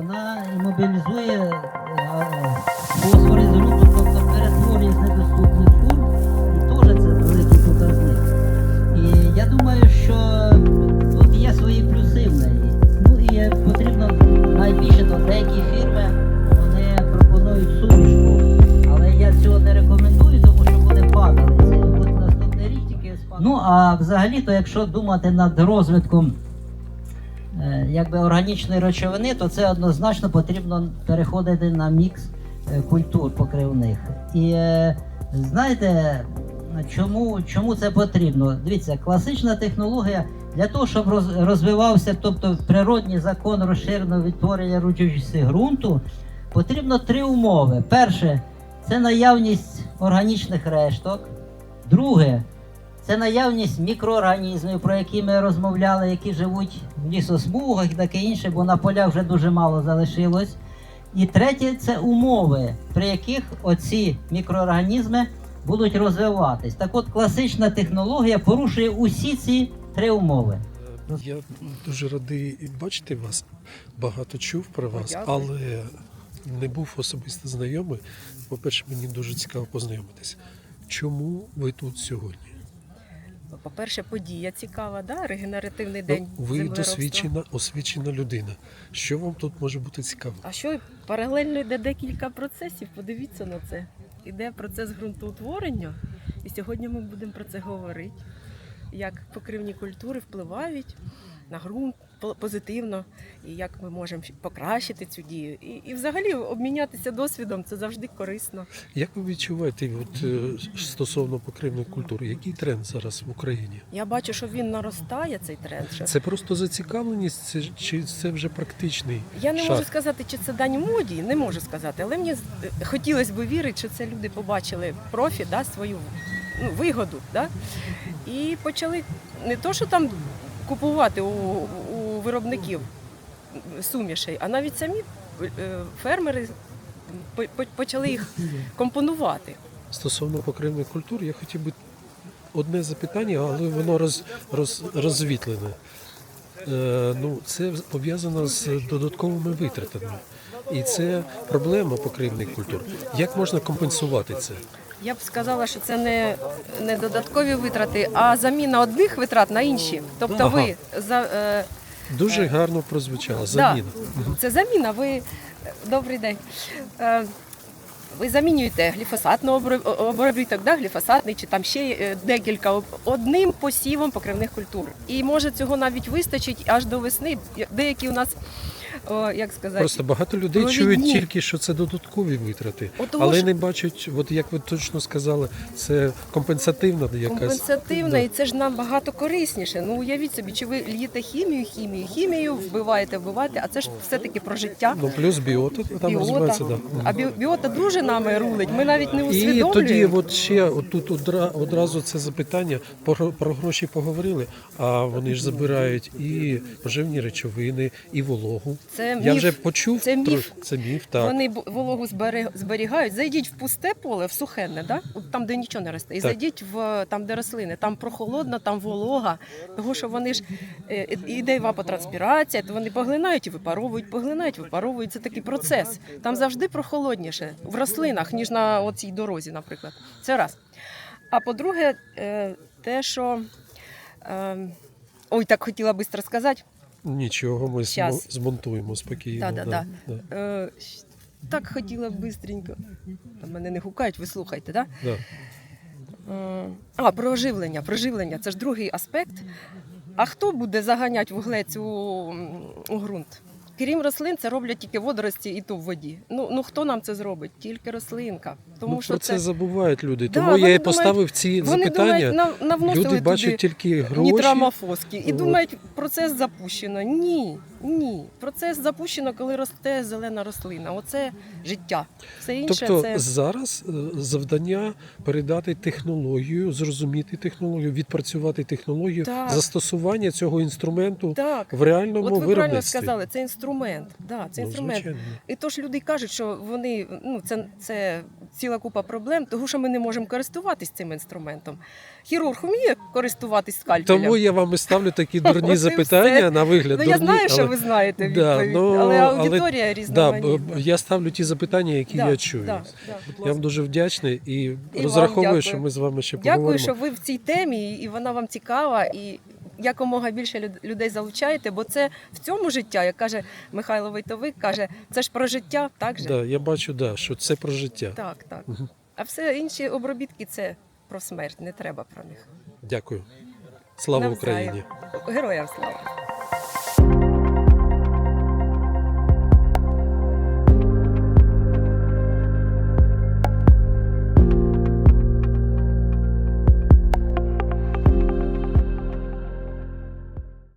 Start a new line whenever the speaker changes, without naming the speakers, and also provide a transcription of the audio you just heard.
вона імобілізує фосфор із ґрунту, тобто перетворює з недоступних форм, і теж це великий показник. І я думаю, що тут є свої плюси в неї. Ну і потрібно найбільше, то деякі фірми, вони пропонують сумішку, але я цього не рекомендую, тому що вони падали. Це буде наступний рік тільки спадає. Ну а взагалі-то, якщо думати над розвитком органічної речовини, то це однозначно потрібно переходити на мікс культур покривних. І знаєте, чому це потрібно? Дивіться, класична технологія для того, щоб розвивався, тобто природній закон розширеного відтворення родючості ґрунту, потрібно 3 умови. Перше – це наявність органічних решток. Друге – це наявність мікроорганізмів, про які ми розмовляли, які живуть в лісосмугах і таке інше, бо на полях вже дуже мало залишилось. І третє – це умови, при яких оці мікроорганізми будуть розвиватись. Так от, класична технологія порушує усі ці 3 умови.
Я дуже радий бачити вас, багато чув про вас, але не був особисто знайомий. По-перше, мені дуже цікаво познайомитися. Чому ви тут сьогодні?
По-перше, подія цікава, да? Регенеративний день
Ви
землеробства.
освічена людина. Що вам тут може бути цікаво?
А що, паралельно йде декілька процесів, подивіться на це. Іде процес ґрунтоутворення, і сьогодні ми будемо про це говорити. Як покривні культури впливають на ґрунт позитивно, і як ми можемо покращити цю дію. І взагалі обмінятися досвідом – це завжди корисно.
Як ви відчуваєте стосовно покривних культур? Який тренд зараз в Україні?
Я бачу, що він наростає, цей тренд.
Це просто зацікавленість, чи це вже практичний
Я не
шаг?
можу сказати, чи це дань моді, не можу сказати, але мені хотілося б вірити, що це люди побачили профі, да, свою вигоду. Да? І почали не то, що там купувати у виробників сумішей, а навіть самі фермери почали їх компонувати.
Стосовно покривних культур, я хотів би одне запитання, але воно розвітлене. Це пов'язано з додатковими витратами. І це проблема покривних культур. Як можна компенсувати це?
Я б сказала, що це не додаткові витрати, а заміна одних витрат на інші. Тобто ви
Дуже гарно прозвучало. Заміна.
Да, це заміна. Добрий день. Ви замінюєте гліфосатний обробіток, да, гліфосатний, чи там ще декілька, одним посівом покривних культур. І може цього навіть вистачить аж до весни. Деякі у нас, як сказати,
просто багато людей чують тільки, що це додаткові витрати, але не бачать, от як ви точно сказали, це компенсативна якась.
Компенсативна, і це ж набагато корисніше. Ну, уявіть собі, чи ви л'єте хімію, вбиваєте, а це ж все-таки про життя.
Ну, плюс біота там розвивається, да.
А біота дуже нами рулить, ми навіть не усвідомлюємо.
І тоді от ще тут одразу це запитання, про гроші поговорили, а вони ж забирають і поживні речовини, і вологу.
Це
Я
міф.
вже почув,
це міф.
Це міф, так.
Вони вологу зберігають. Зайдіть в пусте поле, в сухенне, да? Там, де нічого не росте, і зайдіть там, де рослини. Там прохолодно, там волога, тому що вони ж іде евапотранспірація, то вони поглинають і випаровують. Це такий процес. Там завжди прохолодніше в рослинах, ніж на оцій дорозі, наприклад. Це раз. А по-друге, те, що... так хотіла швидко сказати.
Нічого, ми змонтуємо спокійно.
Так хотіла б швидко. Мене не гукають, ви слухайте, так? Да? Про оживлення. Це ж другий аспект. А хто буде заганяти вуглець у ґрунт? Крім рослин, це роблять тільки водорості і то в воді. Ну хто нам це зробить? Тільки рослинка. Тому що
про це забувають люди.
Да,
тому я і поставив ці запитання. Люди бачать тільки гроші.
Нітрамофоски. І думають, процес запущено. Ні. Процес запущено, коли росте зелена рослина. Оце життя. Все інше
тобто зараз завдання передати технологію, зрозуміти технологію, відпрацювати технологію, застосування цього інструменту в реальному виробництві.
Ви правильно сказали, це інструмент. Да, це інструмент. І то ж люди кажуть, що вони, це ціла ціла купа проблем, тому що ми не можемо користуватись цим інструментом. Хірург вміє користуватись скальпелем.
Тому я вам і ставлю такі дурні
От і
запитання,
все.
на вигляд
Ну,
дурні.
я знаю, що
але-
ви знаєте
Да,
відповідь,
ну,
але
але-
аудиторія
Да,
різноманітна.
я ставлю ті запитання, які
Да,
я чую.
да, да, будь
Я вам
ласка.
дуже вдячний і
вам
розраховую,
дякую.
що ми з вами ще
Дякую,
поговоримо.
що ви в цій темі, і вона вам цікава, і якомога більше людей залучаєте, бо це в цьому життя, як каже Михайло Войтовик, каже, це ж про життя, так же?
Да, я бачу, да, що це про життя.
Так, так.
Мгм.
А все інші обробітки це про смерть, не треба про них.
Дякую. Слава
Навзаєм.
Україні!
Героям слава!